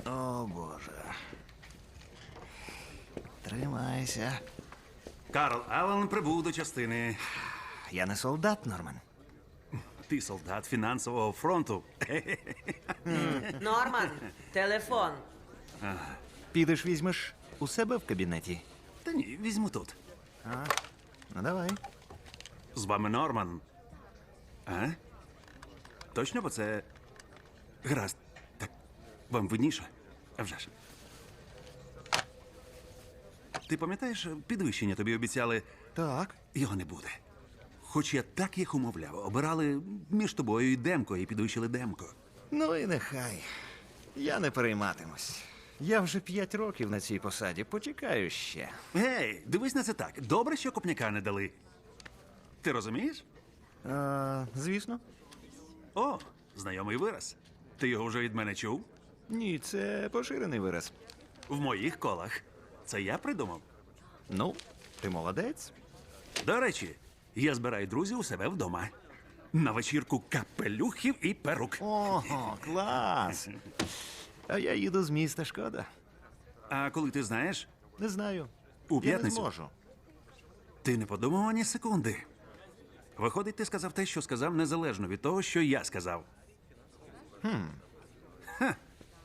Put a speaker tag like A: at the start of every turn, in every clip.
A: О, Боже. Тримайся.
B: Карл Аллен прибув до частини.
A: Я не солдат, Норман.
B: Ти солдат фінансового фронту.
C: Норман, телефон.
A: Підеш візьмеш у себе в кабінеті.
B: Та ні, візьму тут.
A: Ну, давай.
B: З вами Норман. А? Точно, бо це... Гаразд. Так, вам видніше? А вже ж. Ти пам'ятаєш, підвищення тобі обіцяли?
A: Так.
B: Його не буде. Хоч я так їх умовляв. Обирали між тобою і Демко, і підвищили Демко.
A: Ну і нехай. Я не перейматимусь. Я вже 5 років на цій посаді. Почекаю ще.
B: Гей, дивись на це так. Добре, що копняка не дали. Ти розумієш?
A: Звісно.
B: О, знайомий вираз. Ти його вже від мене чув?
A: Ні, це поширений вираз.
B: В моїх колах. Це я придумав.
A: Ну, ти молодець.
B: До речі, я збираю друзів у себе вдома. На вечірку капелюхів і перук.
A: Ого, клас. А я їду з міста, шкода.
B: А коли ти знаєш,
A: Не знаю.
B: У
A: Я не
B: п'ятницю?
A: зможу.
B: ти не подумав ані секунди. Виходить, ти сказав те, що сказав, незалежно від того, що я сказав. Ха.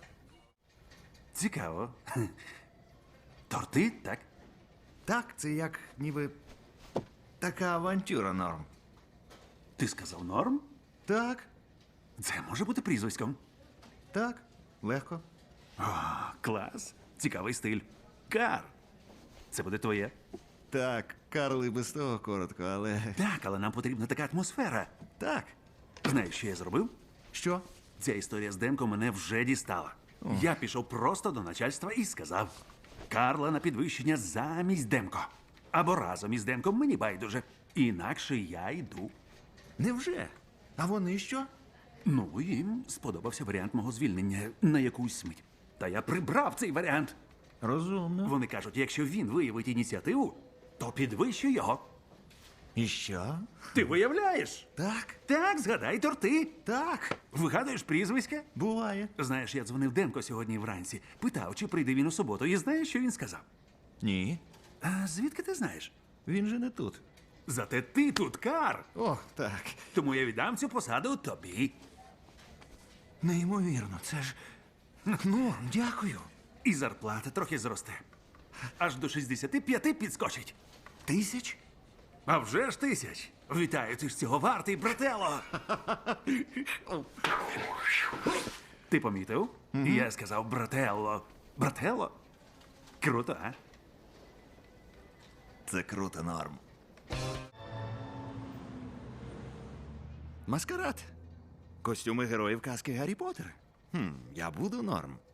B: Цікаво. Торти, так?
A: Так, це як ніби така авантюра, Норм.
B: Ти сказав норм?
A: Так,
B: Це може бути прізвиськом.
A: так, легко.
B: Клас. Цікавий стиль. Кар. Це буде твоє.
A: Так, Карл і без того коротко, але.
B: Так, але нам потрібна така атмосфера.
A: Так.
B: Знаєш, що я зробив?
A: Що?
B: Ця історія з Демко мене вже дістала. Я пішов просто до начальства і сказав: Карла на підвищення замість Демко. Або разом із Демком, мені байдуже. Інакше я йду.
A: Невже? А вони що?
B: Ну, їм сподобався варіант мого звільнення на якусь мить. Та я прибрав цей варіант.
A: Розумно.
B: Вони кажуть, якщо він виявить ініціативу, то підвищу його.
A: І що?
B: Ти виявляєш?
A: Так,
B: Так, згадай торти.
A: так,
B: Вигадуєш прізвиська?
A: буває.
B: Знаєш, я дзвонив Демко сьогодні вранці. Питав, чи прийде він у суботу. І знаєш, що він сказав?
A: Ні,
B: А звідки ти знаєш?
A: він же не тут.
B: Зате ти тут, Кар.
A: О, так.
B: Тому я віддам цю посаду тобі.
A: Неймовірно, це ж. Норм, дякую.
B: І зарплата трохи зросте. Аж до 65 підскочить.
A: 1000?
B: А вже ж 1000. Вітаю, ти ж цього вартий, брателло. Ти помітив? Я сказав брателло. Брателло? Круто, а?
A: Це круто, Норм. Маскарад. Костюми героїв казки Гаррі Поттер. Я буду Норм.